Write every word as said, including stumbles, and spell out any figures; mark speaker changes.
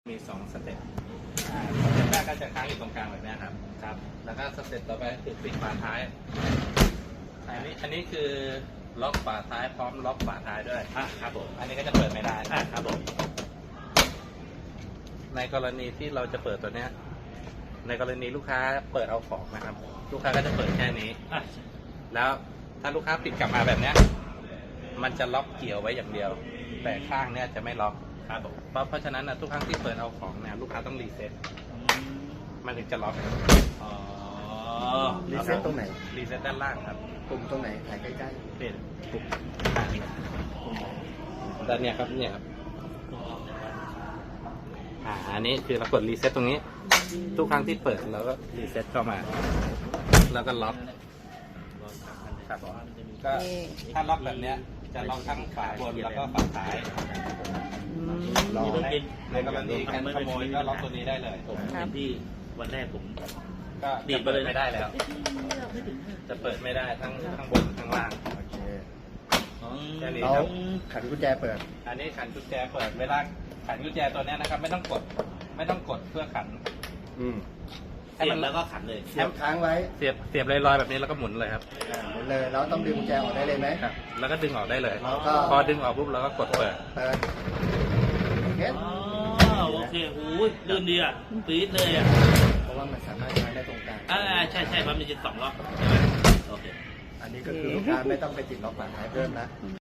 Speaker 1: มีสองสเต็ปสเต็ปแรกก็จะค้างอยู่ตรงกลางแบบนี้ครับครับแล้วก็สเต็ปต่อไปคือปิดฝาท้ายอันนี้อันนี้คือล็อกฝาท้ายพร้อมล็อกฝาท้ายด้วยอ่ะครับผมอันนี้ก็จะเปิดไม่ได้อ่ะครับผมในกรณีที่เราจะเปิดตัวเนี้ยในกรณีลูกค้าเปิดเอาของนะครับลูกค้าก็จะเปิดแค่นี้อ่ะแล้วถ้าลูกค้าปิดกลับมาแบบเนี้ยมันจะล็อกเกี่ยวไว้อย่างเดียวแต่ข้างเนี้ยจะไม่ล็อกครับผมเพราะเพราะฉะนั้นนะทุกครั้งที่เปิดเอาของเนี่ยลูกค้าต้องรีเซ็ตมันถึงจะล็อกอ๋อ
Speaker 2: รีเซ็ตตรงไหน
Speaker 1: รีเซ็ตด้านล่างครับ
Speaker 2: ปุ่มตรงไหนถ่ายใกล้
Speaker 1: เป็นปุ่มด้านเนี้ยครับเนี่ยครับอ่าอันนี้คือเรากดรีเซ็ตตรงนี้ทุกครั้งที่เปิดเราก็รีเซ็ตเข้ามาแล้วก็ล็อกครับก็ถ้าล็อกแบบเนี้ยจะล็อกทั้งฝาบนแล้วก็ฝาท้าย
Speaker 2: ๆรอ
Speaker 1: ในในกรณีการขโมยก็ล็อกตัวนี้ได้เลย
Speaker 3: ผมเห็นที่วันแรกผม
Speaker 1: ก็
Speaker 3: ดี
Speaker 1: จะ
Speaker 3: ดไป
Speaker 1: เปิด
Speaker 3: เลย
Speaker 1: ไม่ได้แล้ว จะเปิดไม่ได้ทั้งข้างบนข้างล่าง
Speaker 2: โอเค
Speaker 1: แค่นี้
Speaker 2: เรา
Speaker 1: ครับ
Speaker 2: ขันกุญแจเปิด
Speaker 1: อันนี้ขันกุญแจเปิดเวลาขันกุญแจตัวเนี้ยนะครับ ไม่ต้องกด ไม่ต้องกดเพื่อขัน
Speaker 2: อืม
Speaker 3: เสียบแล้วก็ขันเลย
Speaker 2: เสียบค้างไว้
Speaker 1: เสียบเสียบลอยๆแบบนี้แล้วก็หมุนเลยครับ
Speaker 2: อ่าหมุนเลยแล้วต้องดึงกุญแจออกได้เลยไหม
Speaker 1: ครับ แล้วก็ดึงออกได้เลย
Speaker 2: แล้วก็
Speaker 1: พอดึงออกปุ๊บเราก็กดเปิด
Speaker 2: เปิดโอเค
Speaker 3: อ๋อโอเคโอ้ยลื่นดีอ่ะปี๊ดเลยอ่ะ
Speaker 2: เพราะว่ามันสามารถใช้ได้ตรงกลาง
Speaker 3: อ่าใช่ใช่มันมีจะสองรอบใช่ไหมโอเค
Speaker 2: อันนี้ก็คือลูกค้าไม่ต้องไปติดล็อกฝาท้ายเพิ่มนะ